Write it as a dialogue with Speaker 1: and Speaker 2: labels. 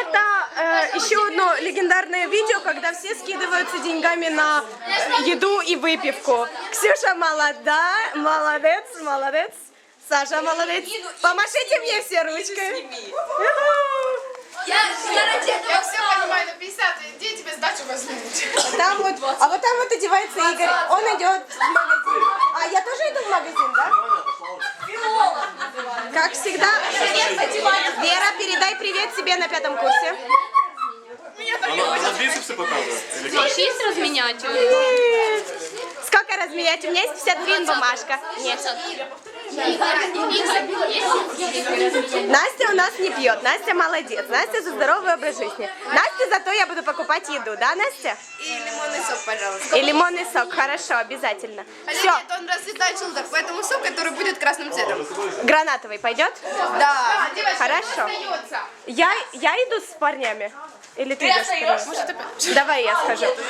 Speaker 1: Это еще одно легендарное видео, когда все скидываются деньгами на еду и выпивку. Ксюша молодая, молодец, молодец. Саша молодец. Помашите мне все ручкой.
Speaker 2: Я все понимаю, на 50, где тебе сдачу возьмут?
Speaker 1: Там вот, а вот там вот одевается Игорь, он идет в магазин. А я тоже иду в магазин, да? Как всегда. Вера, передай привет себе на 5 курсе.
Speaker 3: Она бицепсы показывает?
Speaker 4: Есть разменять?
Speaker 1: Сколько разменять? У меня есть 50 гривен бумажка. Нет. Настя у нас не пьет. Настя молодец. Настя за здоровый образ жизни. Настя, зато я буду покупать еду, да, Настя?
Speaker 2: И лимонный сок, пожалуйста.
Speaker 1: И лимонный сок, хорошо, обязательно.
Speaker 2: Хотя
Speaker 1: Все,
Speaker 2: нет, он расцветает желток, поэтому сок, который будет красным цветом.
Speaker 1: гранатовый пойдет?
Speaker 2: Да.
Speaker 1: Хорошо. Я иду с парнями? Или ты идешь с парнями? Давай я скажу.